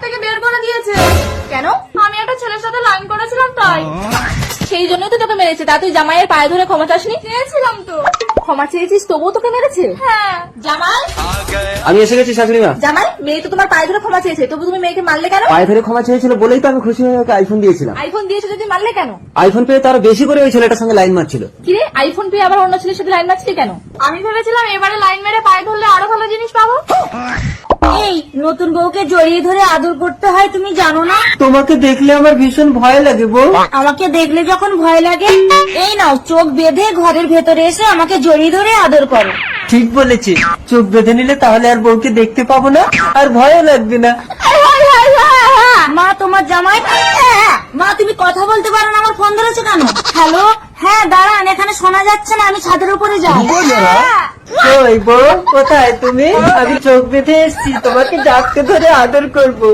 থেকে বের করে দিয়েছে। কেন? আমি একটা ছেলের সাথে লাইন করেছিলাম তাই। সেই জন্যই তো তোকে মেরেছে। তা তুই জামাইয়ের পায়ে ধরে ক্ষমা চাসনি? চেয়েছিলাম তো। ক্ষমা চেয়েছিস তবুও তোকে মেরেছে? হ্যাঁ। জামাই, আমি এসে গেছি শাশুড়ি মা। জামাই, মেয়ে তো তোমার পায়ে ধরে ক্ষমা চেয়েছে, তবু তুমি মেয়েকে মারলে কেন? পায়ে ধরে ক্ষমা চেয়েছিল বলেই তো আমি খুশি হয়ে ওকে আইফোন দিয়েছিলাম। আইফোন দিয়েছে যদি মারলে কেন? আইফোন পেয়ে তার বেশি করে ওই ছেলেটার সঙ্গে লাইন মারছিল। কিরে, আইফোন পেয়ে আবার অন্য ছেলের সাথে লাইন মারছিলি কেন? আমি ভেবেছিলাম এবারে লাইন মেরে পায়ে ধরলে আরো ভালো জিনিস পাবো। এই নতুন বউকে জড়িয়ে ধরে আদর করতে হয়, তুমি জানো না? তোমাকে দেখলে আমার ভীষণ ভয় লাগে বউ। আমাকে দেখলে যখন ভয় লাগে, এই নাও চোখ বেঁধে ঘরের ভেতরে এসে আমাকে জড়িয়ে ধরে আদর করো। ঠিক বলেছি, চোখ বেঁধে নিলে তাহলে আর বউকে দেখতে পাবো না, আর ভয়ও লাগবে না। মা, তোমার জামাই। মা, তুমি কথা বলতে পারো না, আমার ফোন ধরেছে কেন? হ্যালো, হ্যাঁ দাঁড়ান, এখানে শোনা যাচ্ছে না, আমি ছাদের উপরে যাই। ওই বউ, কোথায় তুমি? আমি চোখ বেঁধে এসছি, তোমাকে ডাকতে ধরে আদর করবো।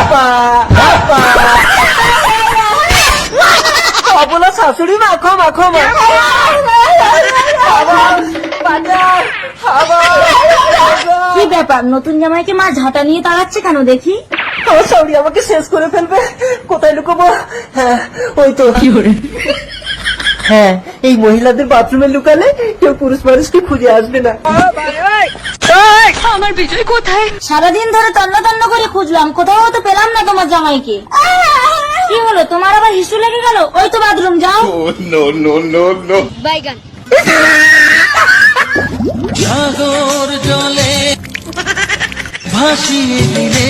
অবলা শাশুড়ি মা, ক্ষমা ক্ষমা। কি ব্যাপার, নতুন জামাইকে মা ঝাঁটা নিয়ে তাড়াচ্ছে কেন দেখি? আমার শাশুড়ি আমাকে শেষ করে ফেলবে, কোথায় লুকোবো? হ্যাঁ, ওই তো। হ্যাঁ, এই মহিলাদের বাথরুমে লুকালে কেউ পুরুষ মানুষকে খুঁজে আসবে না। আমার বিজয় কোথায়? সারাদিন ধরে তন্ন তন্ন করে খুঁজলাম, কোথাও তো পেলাম না তোমার জামাইকে। কি হলো, তোমার আবার হিসু লেগে গেল? ওই তো বাথরুম, যাও। সাগর জলে ভাসিয়ে দিলে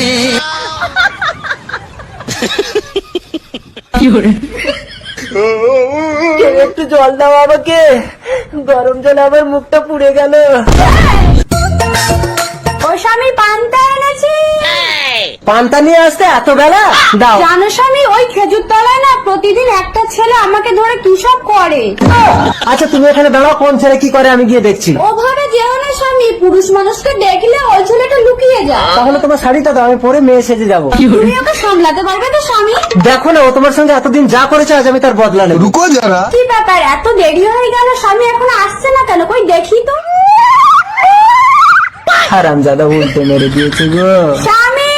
কেউ একটু জল দাও আমাকে, গরম জলে আমার মুখটা পুড়ে গেল। ও স্বামী, পান্তা এনেছি। পান্তা নিয়ে আসতে এত বেলা? দাও। জানো স্বামী, ওই খেজুর তলায় না প্রতিদিন একটা ছেলে আমাকে ধরে কি সব করে। আচ্ছা তুমি এখানে দাঁড়াও, কোন ছেলে কি করে আমি গিয়ে দেখছি। ওভাবে যেও না স্বামী, পুরুষ মানুষকে দেখলে ওই ছেলেটা লুকিয়ে যায়। তাহলে তোমার শাড়িটা দাও, আমি পরে মেয়ে সেজে যাবো। তুমি ওকে সামলাতে পারবে তো স্বামী? দেখো না, ও তোমার সঙ্গে এতদিন যা করেছে আজ আমি তার বদলা নেব। रुको जरा। কি ব্যাপার, এত দেরি হয়ে গেল, স্বামী এখনো আসছে না কেন? কই দেখি তো। হারামজাদা উল্টে মেরে দিয়েছে গো। স্বামী,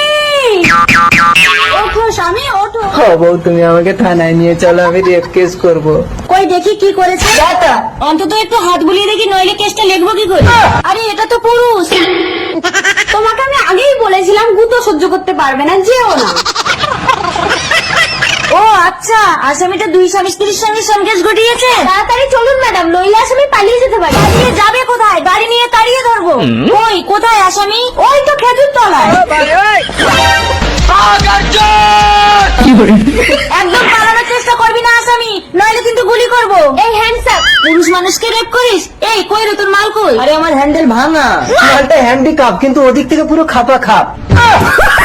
ওঠো স্বামী, ওঠো। ও বউ, তুমি আমাকে থানায় নিয়ে চলো, আমি রেপ কেস করবো। কই দেখি কি করেছে। অন্তত একটু হাত বুলিয়ে দেখি, নইলে কেসটা লিখবো কি করে? আরে এটা তো পুরুষ। তোমাকে আমি আগেই বলেছিলাম গুতো সহ্য করতে পারবে না, যেও না। ও আচ্ছা, আসামিটা দুই স্বামী স্ত্রীর সঙ্গে সঙ্গেশ ঘটিয়েছে। তাড়াতাড়ি চলুন ম্যাডাম, নইলে আসামি পালিয়ে যেতে পারে। পালিয়ে যাবে কোথায়? গাড়ি নিয়ে তাড়িয়ে ধরবো। ওই কোথায় আসামি? ওই তো খেজুর তলায়। একদম পালানোর চেষ্টা করবি না আসামি, নইলে কিন্তু গুলি করবো। এই হ্যান্ডসাপ, পুরুষ মানুষকে রেপ করিস? এই কই রে তোর মাল কই? আরে আমার হ্যান্ডেল ভাঙা, মালটা হ্যান্ডিক্যাপ, কিন্তু ওদিক থেকে পুরো খাপা খাপ।